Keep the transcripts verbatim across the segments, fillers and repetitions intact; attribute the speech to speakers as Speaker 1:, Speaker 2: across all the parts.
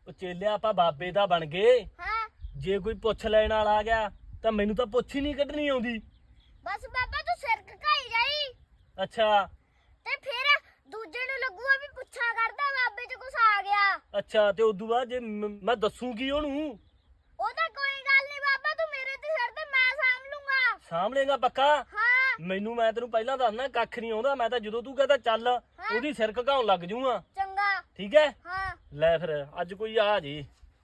Speaker 1: ਚੇਲਿਆ ਆਪਾਂ ਬਾਬੇ ਦਾ ਬਣ ਗਏ।
Speaker 2: ਹਾਂ
Speaker 1: ਜੇ ਕੋਈ ਪੁੱਛ ਲੈਣ ਵਾਲਾ ਆ ਗਿਆ ਤਾਂ ਮੈਨੂੰ ਤਾਂ ਪੁੱਛ ਹੀ ਨਹੀਂ ਕੱਢਣੀ ਆਉਂਦੀ।
Speaker 2: ਬਸ ਬਾਬਾ ਤੂੰ ਸਿਰ ਘਕਾਈ ਜਾਈ
Speaker 1: ਅੱਛਾ
Speaker 2: ਤੇ ਫਿਰ ਦੂਜੇ ਨੂੰ ਲੱਗੂਗਾ ਵੀ ਪੁੱਛਾ ਕਰਦਾ ਬਾਬੇ ਚ ਕੁਛ ਆ ਗਿਆ।
Speaker 1: ਅੱਛਾ ਤੇ ਉਦੋਂ ਬਾਅਦ ਜੇ ਮ- ਮੈਂ ਦੱਸੂਗੀ ਉਹਨੂੰ।
Speaker 2: ਉਹ ਤਾਂ ਕੋਈ ਗੱਲ ਨਹੀਂ ਬਾਬਾ ਤੂੰ ਮੇਰੇ ਤੇ ਸਿਰ ਤੇ ਮੈਂ ਸਾਂਭ ਲੂੰਗਾ।
Speaker 1: ਸਾਂਭ ਲੇਗਾ ਪੱਕਾ?
Speaker 2: ਹਾਂ
Speaker 1: ਮੈਨੂੰ ਮੈਂ ਤੈਨੂੰ ਪਹਿਲਾਂ ਦੱਸਣਾ ਕੱਖ ਨਹੀਂ ਆਉਂਦਾ। ਮੈਂ ਤਾਂ ਜਦੋਂ ਤੂੰ ਕਹਿੰਦਾ ਚੱਲ ਉਹਦੀ ਸਿਰ ਘਕਾਉਣ ਲੱਗ ਜੂਗਾ।
Speaker 2: ਚੰਗਾ
Speaker 1: ਠੀਕ ਹੈ
Speaker 2: ਹਾਂ
Speaker 1: ਲੈ ਫਿਰ ਅੱਜ ਕੋਈ ਆ ਜੀ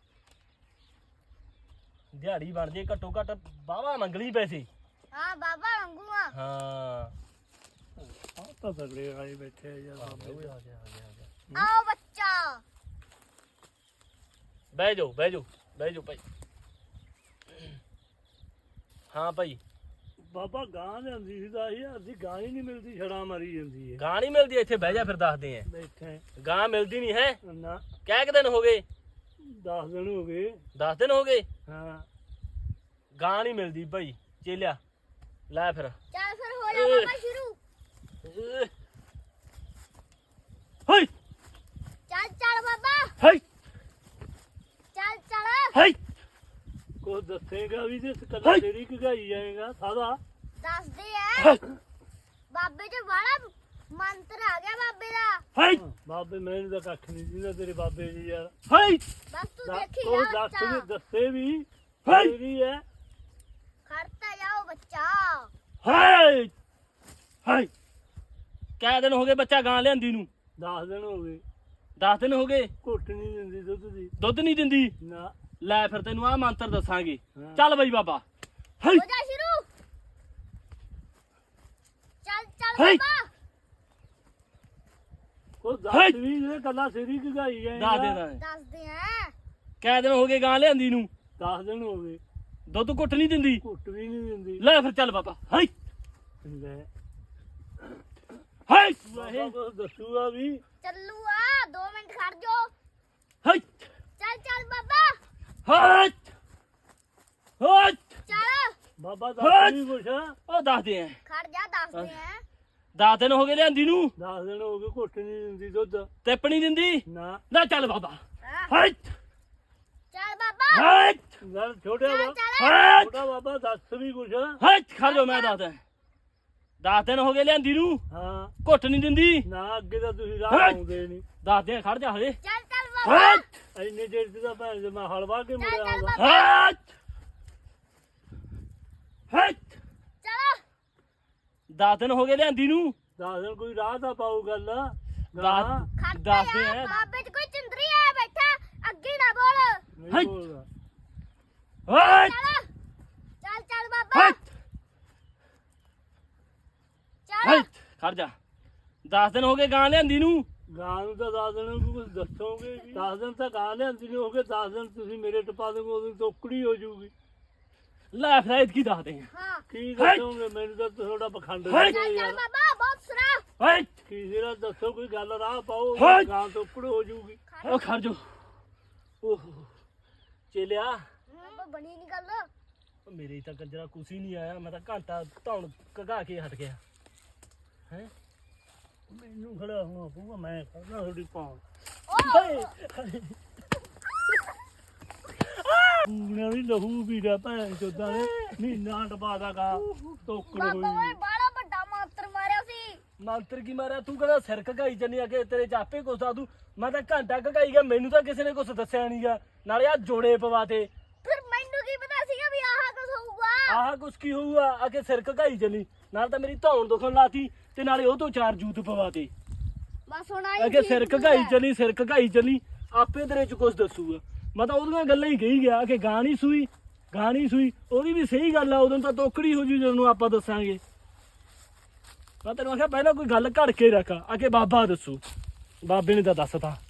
Speaker 1: ਦਿਹਾੜੀ ਬਣ ਜੇ ਘੱਟੋ ਘੱਟ ਬਾਵਾ ਮੰਗਲੀ ਪੈਸੇ।
Speaker 2: ਹਾਂ ਬਾਬਾ ਮੰਗੂਗਾ।
Speaker 1: ਹਾਂ
Speaker 3: ਆਹ ਤਾਂ ਤਗੜੇ ਆਏ ਬੈਠੇ ਆ ਯਾਰ ਬਾਬੇ
Speaker 1: ਓਏ ਆ ਗਿਆ ਆ ਗਿਆ ਆ ਗਿਆ।
Speaker 2: ਆਓ ਬੱਚਾ
Speaker 1: ਬਹਿ ਜਾਓ ਬਹਿ ਜਾਓ ਬਹਿ ਜਾਓ ਭਾਈ। ਹਾਂ ਭਾਈ
Speaker 3: ਬਾਬਾ ਗਾਂ ਲਿਆਂਦੀ ਸੀ ਦਸ ਹਜ਼ਾਰ ਦੀ ਗਾਂ ਹੀ ਨਹੀਂ ਮਿਲਦੀ ਛੜਾ ਮਾਰੀ ਜਾਂਦੀ ਹੈ।
Speaker 1: ਗਾਂ ਨਹੀਂ ਮਿਲਦੀ ਇੱਥੇ ਬਹਿ ਜਾ ਫਿਰ ਦੱਸਦੇ ਆ।
Speaker 3: ਬੈਠੇ
Speaker 1: ਗਾਂ ਮਿਲਦੀ ਨਹੀਂ ਹੈ।
Speaker 3: ਨਾ
Speaker 1: ਕਹਿ ਕਿ ਦਿਨ ਹੋ ਗਏ?
Speaker 3: ਦਸ ਦਿਨ ਹੋ ਗਏ।
Speaker 1: ਦਸ ਦਿਨ ਹੋ ਗਏ
Speaker 3: ਹਾਂ
Speaker 1: ਗਾਂ ਨਹੀਂ ਮਿਲਦੀ ਭਾਈ। ਚੇਲਿਆ ਲੈ ਫਿਰ।
Speaker 2: ਚੱਲ ਫਿਰ ਹੋ ਜਾ ਬਾਬਾ ਸ਼ੁਰੂ।
Speaker 1: ਹਾਈ
Speaker 2: ਚੱਲ ਚੱਲ ਬਾਬਾ
Speaker 1: ਹਾਈ
Speaker 2: ਚੱਲ ਚੱਲ
Speaker 1: ਹਾਈ
Speaker 3: ਕੋ ਦੱਸੇਗਾ ਵੀ ਤੇ ਕੱਲਾ ਤੇਰੀ ਘਗਾਈ ਜਾਏਗਾ ਸਾਦਾ।
Speaker 2: ਦੱਸਦੇ ਐ ਬਾਬੇ ਚ ਬੜਾ ਮੰਤਰ ਆ ਗਿਆ ਬਾਬੇ ਦਾ।
Speaker 1: ਹਾਈ
Speaker 3: ਬਾਬੇ ਮੈਨੂੰ ਤਾਂ ਕੱਖ ਨਹੀਂ ਦਿੰਦਾ ਤੇਰੇ ਬਾਬੇ ਜੀ ਯਾਰ।
Speaker 1: ਹਾਈ
Speaker 2: ਬਸ ਤੂੰ
Speaker 3: ਦੱਸ-
Speaker 2: ਦੇਖੀ
Speaker 3: ਉਹ
Speaker 2: ਜਾ
Speaker 3: ਦੱਸ ਵੀ
Speaker 2: ਬੱਚਾ।
Speaker 3: ਦੱਸੇ ਵੀ
Speaker 1: ਹਾਈ।
Speaker 3: ਤੇਰੀ ਹੈ।
Speaker 2: ਖੜਤਾ ਜਾਓ ਬੱਚਾ।
Speaker 1: ਹਾਈ ਹਾਈ ਕਹਿ ਦਿਨ ਹੋ ਗਏ ਬੱਚਾ ਗਾਂ ਲਿਆਂਦੀ ਨੂੰ?
Speaker 3: ਦਸ ਦਿਨ ਹੋ ਗਏ।
Speaker 1: ਦਸ ਦਿਨ ਹੋ ਗਏ।
Speaker 3: ਘੁੱਟ ਨਹੀਂ ਦਿੰਦੀ ਦੁੱਧ ਦੀ।
Speaker 1: ਦੁੱਧ ਨਹੀਂ ਦਿੰਦੀ?
Speaker 3: ਨਾ
Speaker 1: ਲੈ ਫਿਰ ਤੈਨੂੰ ਆਹ ਮੰਤਰ ਦੱਸਾਂਗੇ।
Speaker 3: ਹਾਂ।
Speaker 1: ਚੱਲ ਬਈ ਬਾਬਾ। ਹਾਈ
Speaker 2: ਹੋ ਜਾ ਸ਼ੁਰੂ। ਚੱਲ ਚੱਲ
Speaker 1: ਹਾਈ।
Speaker 2: ਬਾਬਾ
Speaker 3: ਕੋ
Speaker 1: ਹਾਈ।
Speaker 3: ਦੱਸ ਵੀ ਤੇ ਕੱਲਾ ਤੇਰੀ ਘਗਾਈ ਜਾਏਗਾ।
Speaker 1: ਦੱਸ ਦੇ ਦੱਸ ਦੇ।
Speaker 2: ਦੱਸਦੇ ਐ
Speaker 1: ਕਹਿ ਦਿਨ ਹੋ ਗਏ ਗਾਂ ਲਿਆਂਦੀ ਨੂੰ?
Speaker 3: ਦਸ ਦਿਨ ਹੋ ਗਏ।
Speaker 1: ਦੁੱਧ ਘੁੱਟ ਨਹੀਂ ਦਿੰਦੀ?
Speaker 3: ਘੁੱਟ ਵੀ ਨਹੀਂ ਦਿੰਦੀ।
Speaker 1: ਲੈ ਫਿਰ ਚੱਲ ਬਾਬਾ। ਹਾਈ
Speaker 3: ਲੈ
Speaker 1: ਹਾਈ
Speaker 3: ਬਾਬਾ ਕੁਛ ਦੱਸੂਗਾ ਵੀ।
Speaker 2: ਚੱਲੂ ਆ ਦੋ ਮਿੰਟ ਖੜ ਜਾ।
Speaker 1: ਹਾਈ
Speaker 2: ਚੱਲ ਚੱਲ ਬਾਬਾ
Speaker 1: ਹਾਈ ਹਾਈ
Speaker 2: ਚੱਲ
Speaker 3: ਬਾਬਾ
Speaker 1: ਹਾਈ।
Speaker 3: ਦੱਸ ਵੀ ਕੁਛ।
Speaker 1: ਉਹ ਦੱਸਦੇ ਆ।
Speaker 2: ਖੜ ਜਾ ਦੱਸਦੇ ਐ।
Speaker 1: ਦਸ ਦਿਨ ਹੋ ਗਏ ਲਿਆਂਦੀ ਨੂੰ?
Speaker 3: ਦਸ ਦਿਨ ਹੋ ਗਏ ਘੁੱਟ ਨਹੀਂ ਦਿੰਦੀ ਦੁੱਧ।
Speaker 1: ਟਿੱਪ ਨਹੀਂ ਦਿੰਦੀ?
Speaker 3: ਨਾ
Speaker 1: ਲੈ ਚੱਲ ਬਾਬਾ।
Speaker 2: ਹਾਂ।
Speaker 1: ਹਾਈ
Speaker 2: ਚੱਲ ਬਾਬਾ
Speaker 1: ਹਾਈ
Speaker 3: ਗੱਲ ਛੋਟਾ
Speaker 2: ਚੱਲ
Speaker 3: ਵਾ
Speaker 2: ਚੱਲ
Speaker 1: ਹਾਈ
Speaker 3: ਛੋਟਾ ਬਾਬਾ ਦੱਸ ਵੀ ਕੁਛ।
Speaker 1: ਹਾਈ ਖੜ ਜਾ ਮੈਂ ਦੱਸਦਾ। ਦਸ ਦਿਨ ਹੋ ਗਏ ਲਿਆਂਦੀ ਨੂੰ?
Speaker 3: ਹਾਂ
Speaker 1: ਘੁੱਟ ਨਹੀਂ ਦਿੰਦੀ?
Speaker 3: ਨਾ ਅੱਗੇ ਤਾਂ ਤੁਸੀਂ ਰਾਹ
Speaker 1: ਹਾਈ।
Speaker 3: ਆਉਂਦੇ ਨਹੀਂ।
Speaker 1: ਦੱਸਦੇ ਆ ਖੜ ਜਾ ਹਲੇ।
Speaker 2: ਚੱਲ ਚੱਲ ਬਾਬਾ
Speaker 1: ਹਾਈ
Speaker 3: ਇੰਨੇ ਚਿਰ ਤੇ ਤਾਂ ਭੈਣ ਦੇ ਮੈਂ ਹਲਵਾ ਕੇ ਮੁੜਿਆ
Speaker 2: ਚੱਲ
Speaker 3: ਆਉਂਦਾ।
Speaker 2: ਬਾਬਾ
Speaker 1: ਹਾਈ ਹਾਈ
Speaker 2: ਚਲੋ
Speaker 1: ਦਸ ਦਿਨ ਹੋ ਗਏ ਲਿਆਂਦੀ ਨੂੰ?
Speaker 3: ਦਸ ਦਿਨ ਕੋਈ ਰਾਹ ਤਾਂ ਪਾਉ ਗੱਲ।
Speaker 1: ਦਸ
Speaker 2: ਖੜਤਾ
Speaker 1: ਦੱਸਦੇ
Speaker 2: ਜਾ
Speaker 1: ਆ।
Speaker 2: ਬਾਬੇ ਚ ਕੋਈ ਚੰਦਰੀ ਆ ਬੈਠਾ ਅੱਗੇ ਨਾ ਬੋਲ।
Speaker 3: ਨਹੀਂ
Speaker 1: ਹਾਈ।
Speaker 3: ਬੋਲਦਾ।
Speaker 1: ਹਾਈ
Speaker 2: ਚੱਲ ਚੱਲ ਚੱਲ ਬਾਬਾ
Speaker 1: ਹਾਈ ਹਾਈ
Speaker 2: ਚੱਲ
Speaker 1: ਖੜ ਜਾ। ਦਸ ਦਿਨ ਹੋ ਗਏ ਗਾਂ ਲਿਆਂਦੀ ਨੂੰ?
Speaker 3: ਗਾਂ ਨੂੰ ਤਾਂ ਦਸ ਦਿਨ ਨੂੰ ਕੁਝ ਦੱਸੋਗੇ ਵੀ। ਦਸ ਦਿਨ ਤਾਂ ਗਾਂ ਲਿਆਂਦੀ ਨਹੀਂ ਹੋ ਗਏ। ਦਸ ਦਿਨ ਤੁਸੀਂ ਮੇਰੇ ਟਪਾ ਦੋਗੇ ਉਦੋਂ ਟੋਕੜੀ ਹੋ ਜਾਊਗੀ।
Speaker 1: ਲੈ ਫਿਰ ਐਤਕੀ ਦੱਸਦੇ ਆ।
Speaker 2: ਹਾਂ
Speaker 3: ਕੀ
Speaker 1: ਹਾਈ।
Speaker 3: ਦੱਸੋਗੇ ਮੈਨੂੰ ਤਾਂ ਤੁਹਾਡਾ ਪਖੰਡ
Speaker 1: ਹਾਈ।
Speaker 2: ਚੱਲ ਚੱਲ
Speaker 3: ਯਾਰ।
Speaker 2: ਬਾਬਾ ਬਹੁਤ ਸਰਾ
Speaker 1: ਹਾਈ
Speaker 3: ਕੀ ਜਿਹੜਾ ਦੱਸੋ ਕੋਈ ਗੱਲ ਰਾਹ ਪਾਓ
Speaker 1: ਹਾਈ।
Speaker 3: ਗਾਂ ਟੋਕੜ ਹੋ ਜਾਊਗੀ।
Speaker 1: ਉਹ ਖੜ ਜਾ। ਓਹ ਚੇਲਿਆ
Speaker 2: ਬਾਬਾ ਬਣੀ ਨਹੀਂ ਗੱਲ।
Speaker 1: ਉਹ ਮੇਰੇ ਤਾਂ ਕੰਜਰਾ ਕੁਛ ਹੀ ਨਹੀਂ ਆਇਆ। ਮੈਂ ਤਾਂ ਘੰਟਾ ਧੌਣ ਘਗਾ ਕੇ ਹਟ ਗਿਆ ਹੈ।
Speaker 3: ਮੈਨੂੰ ਖੜਾ ਹੋਣਾ ਪਊਗਾ। ਮੈਂ ਕਰਨਾ ਤੁਹਾਡੀ ਪਾਉਣ।
Speaker 2: ਓ
Speaker 3: ਪੂਣਾ ਵੀ ਲਹੂ ਵੀਰਾ ਭੈਣ ਚੋਦਾਂ ਨੇ ਮਹੀਨਾ ਟਪਾ ਦਾ ਗਾ ਟੋਕੜ
Speaker 2: ਬਾਬਾ ਓਏ
Speaker 3: ਹੋਈ।
Speaker 2: ਬਾਲਾ ਵੱਡਾ ਮੰਤਰ ਮਾਰਿਆ ਸੀ।
Speaker 1: ਮੰਤਰ ਕੀ ਮਾਰਿਆ? ਤੂੰ ਕਹਿੰਦਾ ਸਿਰ ਘਗਾਈ ਜੰਨੀ ਆ ਕੇ ਤੇਰੇ ਚਾਪੇ ਕੁਛ ਦੱਸ ਦੂ। ਮੈਂ ਤਾਂ ਘੰਟਾ ਘਗਾਈ ਗਿਆ। ਮੈਨੂੰ ਤਾਂ ਕਿਸੇ ਨੇ ਕੁਛ ਦੱਸਿਆ ਨਹੀਂਗਾ। ਨਾਲੇ ਆ ਜੋੜੇ ਪਵਾਤੇ।
Speaker 2: ਫਿਰ ਮੈਨੂੰ ਕੀ ਪਤਾ ਸੀਗਾ ਵੀ ਆਹ ਕੁਝ ਹੋਊਗਾ।
Speaker 1: ਆਹ ਕੁਛ ਕੀ ਹੋਊਗਾ? ਆ ਕੇ ਸਿਰ ਘਗਾਈ ਜੰਨੀ ਨਾਲ ਤਾਂ ਮੇਰੀ ਧੌਣ ਦੁਖਣ ਲਾਤੀ ਤੇ ਨਾਲੇ ਉਹ ਤੋਂ ਚਾਰ ਜੂਤ ਪਵਾਤੇ।
Speaker 2: ਬਸ ਹੁਣ ਆਈ
Speaker 1: ਅਗੇ ਸਿਰ ਘਗਾਈ ਚਲੀ ਸਿਰ ਘਗਾਈ ਚਲੀ ਆਪੇ ਤੇਰੇ ਚ ਕੁਛ ਦੱਸੂਗਾ। ਮੈਂ ਤਾਂ ਉਹਦੀਆਂ ਗੱਲਾਂ ਹੀ ਕਹੀ ਗਿਆ ਕਿ ਗਾਂ ਨਹੀਂ ਸੂਈ ਗਾਂ ਨਹੀਂ ਸੂਈ। ਉਹਦੀ ਵੀ ਸਹੀ ਗੱਲ ਆ। ਉਦੋਂ ਤਾਂ ਤੋਕੜੀ ਹੋ ਜੂ ਜਦੋਂ ਆਪਾਂ ਦੱਸਾਂਗੇ। ਮੈਂ ਤੈਨੂੰ ਆਖਿਆ ਪਹਿਲਾਂ ਕੋਈ ਗੱਲ ਘੜ ਕੇ ਰੱਖ ਆ ਕੇ ਬਾਬਾ ਦੱਸੂ। ਬਾਬੇ ਨੇ ਤਾਂ ਦੱਸਤਾ।